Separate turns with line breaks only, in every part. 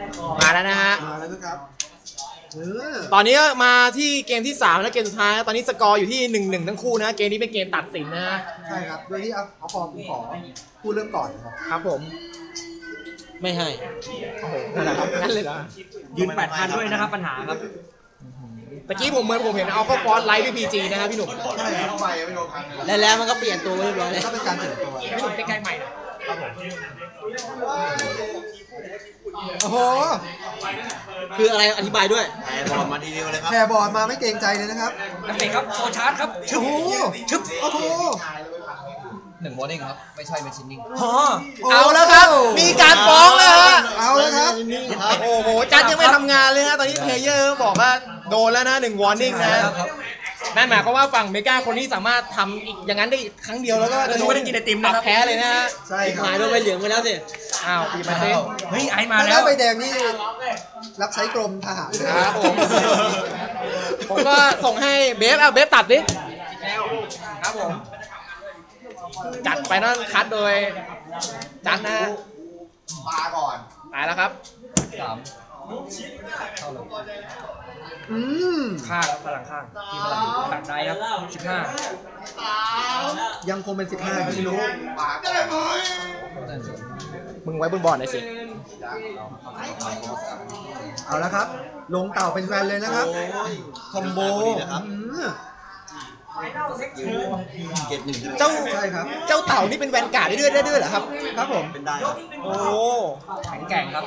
มาแล้วนะฮะ
มาแล้วนะครับ
ตอนนี้มาที่เกมที่3และเกมสุดท้ายตอนนี้สกอร์อยู่ที่ 1-1 ทั้งคู่นะเกมนี้เป็นเกมตัดสินนะ
ใช่ครับโดยที่เอาฟอร์มขอพูดเริ่มก่อน
ครับผมไม่ให้โอ้โหนั่นเลยเหรอ
ยืน 8,000 ด้วยนะครับปัญหาครับ
ตะกี้ผมเห็นเอาเข้าฟอนต์ไลท์ด้วย PG นะครับพี่หนุ่ม
ใช่ครับ
แล้วมันก็เปลี่ยนตัวเรียบร้อยเลย
ก็เป็นการเปลี่ยนตัว
พี่หนุ่มใกล้ๆใหม่นะครับผม
โอ้โห
คืออะไรอธิบายด้วย
แพร์บอลมาทีเดียวเลยครับ
แพร์บอลมาไม่เกรงใจเลยนะครับ
นักเตะครับโซชาร์จครับ
โอ้โหโอ้โห
1 warning ครับไม่ใช่เป็นชินนิ่ง
เอาแล้วครับมีการฟ้องแล้วฮะ
เอาแล้วครับ
โอ้โหจัดยังไม่ทำงานเลยฮะตอนนี้เพลเยอร์บอกว่าโดนแล้วนะ1 warning นะนั่นหมายความว่าฝั่งเมกาคนนี้สามารถทำอีกอย่างนั้นได้ครั้งเดียวแล้วก็จะ
ไม่ได้กินไอติมนะครับ
แพ้เลยนะฮะ
ใช่ครับ
หายโดนใบเหลืองไปแล้วสิอ้าวปีมาเต้
เฮ้ยไอมาแล้ว
ใบแดงนี่รับใช้กรมทหาร
ครับผมก็ส่งให้เบฟตัดดิครับผมจัดไปนั่นคัดโดยจัดนะ
มาก่อน
ตายแล้วครับ
ข้างพลังข้างทีมพลังตัดได้ครับ
15ยังคงเป็น15ไม่รู้
มึงไว้บนบอร์ดหน่อยสิ
เอาละครับลงเต่าเป็นแวนเลยนะครับคอมโบ
เจ้า
ใช่ครับ
เจ้าเต่านี่เป็นแวนการ์ดได้ด้วยเหรอครับ
ครับผม
เป็นได้
โอ้
แข็งแกร่งครับ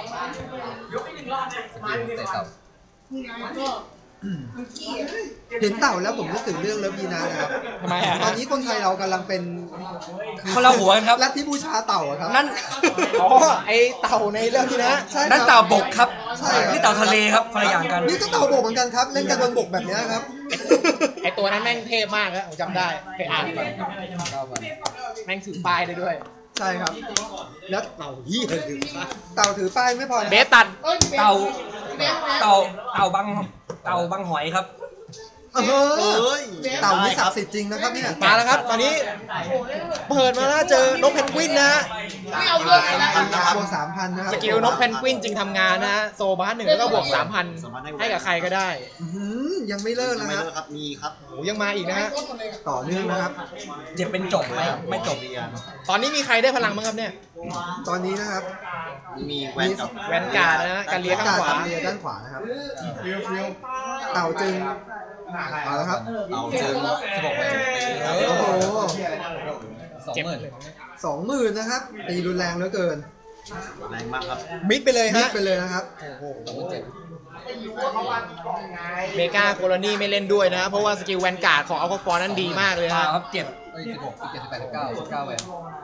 เห็นเต่าแล้วผมนึกถึงเรื่องเลิฟยีนานะครับ
ทำไมอ่ะ
ตอนนี้คนไทยเรากำลังเป็น
คนละหัวครับ
ลัทธิบูชาเต่าครับ
นั่นอ๋อไอเต่าในเรื่องที่นะ
นั่นเต่าบกครับ
ใช่
นี่เต่าทะเลครับคนละอย่างกัน
นี่ก็เต่าบกเหมือนกันครับเล่นกันบนบกแบบนี้ครับ
ไอตัวนั้นแม่งเทพมากครับผมจำได้เคยอ่านแม่งถือป้ายได้ด้วย
ใช่ครับแล้วเต่าถือป้ายไม่พอ
เบสตัด
เต่าบังหอยครับ
เต่านี่ศักดิ์สิทธิ์จริงนะครับเนี่ย
มาแล้วครับตอนนี้เปิดมาแล้วเจอนกเพนกวินนะฮะ
บวก 3,000 นะครับ
สกิลนกเพนกวินจริงทำงานนะฮะโซบาร์1แล้วก็บวก 3,000 ให้กับใครก็ได้
ยังไม่เลิกนะครับ
มีครับ
โอ้ยังมาอีกนะฮะ
ต่อเนื่องนะครับ
จะเป็นจบไหมไม่จบ
ตอนนี้มีใครได้พลังบ้างครับเนี่ย
ตอนนี้นะครับ
มีแ
วนการ์ดนะการเลี้ยข้างขวา
ด้านขวานะครับเต่าจึงเอาละครับ
เอาเจอ16
โอ้โห
20,000
นะครับตีรุนแรงเหลือเกิน
แรงมากครับ
มิดไปเลยฮะ
มิดไปเลยนะครับ
โอ้โหเมกาโคโลนีไม่เล่นด้วยนะเพราะว่าสกิลแวนการ์ดของอัลฟาฟอร์นั้นดีมากเลย
ครับเจ็บ
16 17 18 19แวน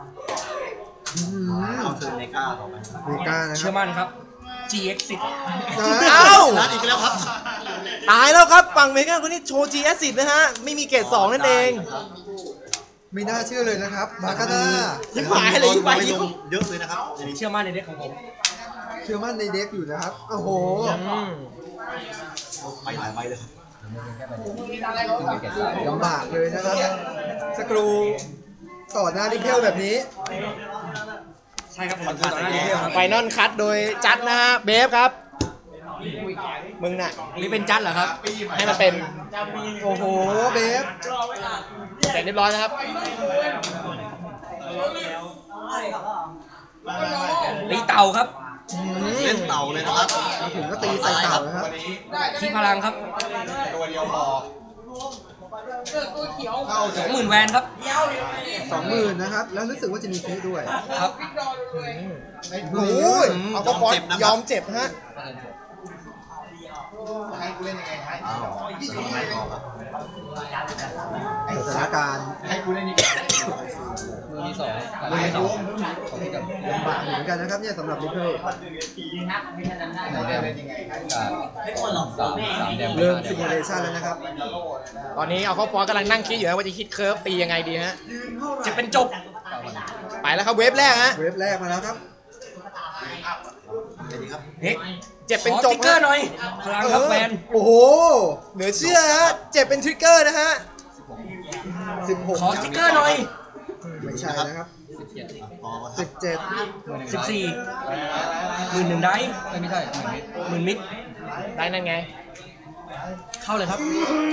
เอาเมกาต่อไป
เมกานะ
เชื่อมั่นครับ GX10
เอ้า
นัดอีกแล้วครับ
ตายแล้วครับฝั่งเมกาคนนี้โชว์ GX10 นะฮะไม่มีเกรด2นั่นเอง
ไม่น่าเชื่อเลยนะครับบาคาน่า
ยิ่งหายเลยยิ่งไป
เยอะเลยนะครับ
เชื่อมั่นในเด็กของผม
เชื่อมั่นในเด็กอยู่นะครับโอ้โห
ไปหลายใบเลย
ลำบากเลยนะครับสกรูต่อหน้าดิเทลแบบนี้
ใช่ครับผมต่อหน้าดิเทลครับ
ไฟนอลคัทโดยจัดนะฮะเบฟครับมึงน่ะ
นี่เป็นจัดเหรอครับ
ให้มันเป็น
โอ้โหเบฟ
เสร็จเรียบร้อยนะครับ
ตีเต่าครับ
เล่นเต่าเลยนะครับ
ถึงก็ตีใส่เต่านะครับ
ที่พลังครับ
ตัวเดียวพอ
20,000 แวนครับ
20,000 นะครับแล้วรู้สึกว่าจะมีเค้กด้วย
ครับ
โอ้ยเอาก็ฟอนยอมเจ็บฮะ
ให้กูเล่นยังไงให้
สถานการณ์
ให้กูเล่นยังไง
มือที่2
ลำบากเหมือนกันนะครับเนี่ยสำหรับลิเพิลเริ่มซิมูเลชันแล้วนะครับ
ตอนนี้เอาเข้าฟอนกำลังนั่งคิดอยู่ว่าจะคิดเคิร์ฟตียังไงดีฮะ
จะเป็นจบ
ไปแล้วครับเวฟแรกฮะ
เวฟแรกมาแล้วครับ
เฮ้ยเจ็บเป็นจบ
ติ๊กเกอร์หน่อยพลังครับแมน
โอ้โห
เหนือเชื่อฮะเจ็บเป็นทริกเกอร์นะฮะ
16
ขอติ๊กเกอร์หน่อย
ไม่ใช่นะครับ 17
14 11,000ได้
ไม่ใช่
10,000
เหมือน
มิด
ได้นั่นไง
เข้าเลยครับ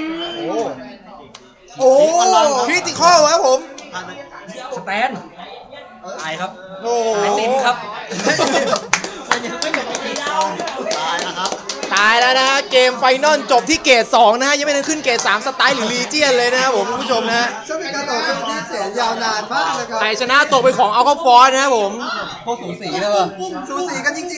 โอ้คริติคอลครับผม
สแตนตายครับ
โอ้
ไอติมครับ
ตายแล้วนะฮะเกมไฟนอลจบที่เกรด2นะฮะยังไม่ได้ขึ้นเกรด3สไตล์หรือลีเจียนเลยนะครับผมคุณผู้ชมนะฮะ
ซึ่งเป็นการต่อสู้ที่แสนยาวนานมากนะครับ
ไทยชนะตกเป็นของอัลคาฟอร์นะครับผม
พวกสูสีเลยว่ะ
สูสีกันจริงๆ